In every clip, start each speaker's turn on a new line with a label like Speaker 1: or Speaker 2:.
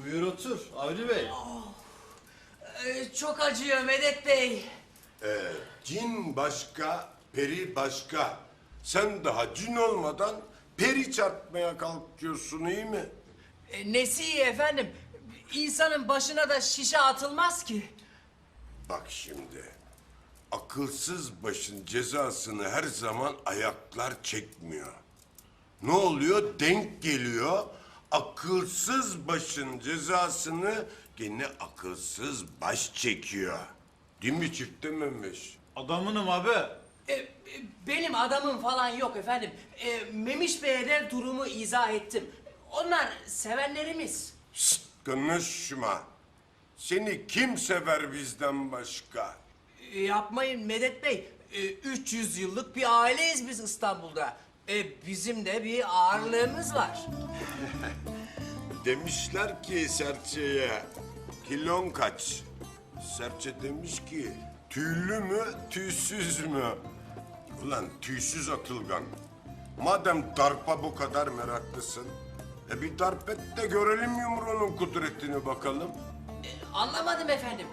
Speaker 1: Buyur otur Avni Bey.
Speaker 2: Çok acıyor Medet Bey.
Speaker 3: Cin başka, peri başka. Sen daha cin olmadan peri çarpmaya kalkıyorsun, iyi mi?
Speaker 2: Nesi iyi efendim? İnsanın başına da şişe atılmaz ki.
Speaker 3: Bak şimdi, akılsız başın cezasını her zaman ayaklar çekmiyor. Ne oluyor? Denk geliyor. Akılsız başın cezasını gene akılsız baş çekiyor. Değil mi çifte Memiş?
Speaker 1: Adamınım abi.
Speaker 2: Benim adamım falan yok efendim. Memiş Bey'e de durumu izah ettim. Onlar sevenlerimiz.
Speaker 3: Şşt, konuşma. Seni kim sever bizden başka?
Speaker 2: Yapmayın Medet Bey. 300 yıllık bir aileyiz biz İstanbul'da. Bizim de bir ağırlığımız var.
Speaker 3: Demişler ki serçeye, kilon kaç? Serçe demiş ki, tüylü mü, tüysüz mü? Ulan tüysüz Atılgan, madem darpa bu kadar meraklısın, bir darp et de görelim yumruğunun kudretini bakalım.
Speaker 2: Anlamadım efendim.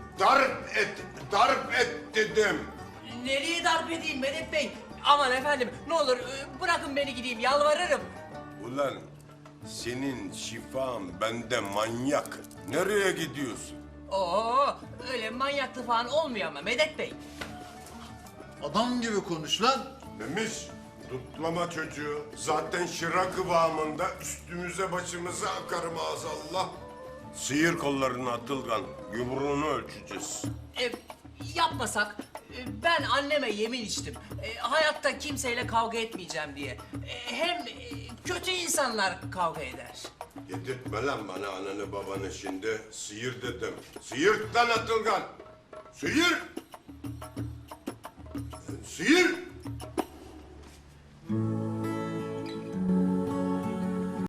Speaker 3: Darp et dedim.
Speaker 2: Nereye darp edeyim Medet Bey? Aman efendim ne olur bırakın beni gideyim yalvarırım.
Speaker 3: Ulan senin şifan bende manyak. Nereye gidiyorsun?
Speaker 2: Oo öyle manyaklı falan olmuyor ama Medet Bey.
Speaker 1: Adam gibi konuş lan.
Speaker 3: Memiş, tutlama çocuğu. Zaten şıra kıvamında üstümüze başımıza akar maazallah. Sıyır kollarını Atılgan, yumruğunu ölçeceğiz.
Speaker 2: Yapmasak ben anneme yemin içtim. Hayatta kimseyle kavga etmeyeceğim diye. Hem kötü insanlar kavga eder.
Speaker 3: Yedirtme lan bana ananı babanı şimdi. Sıyır dedim. Sıyırt lan Atılgan. Sıyır. Sıyır.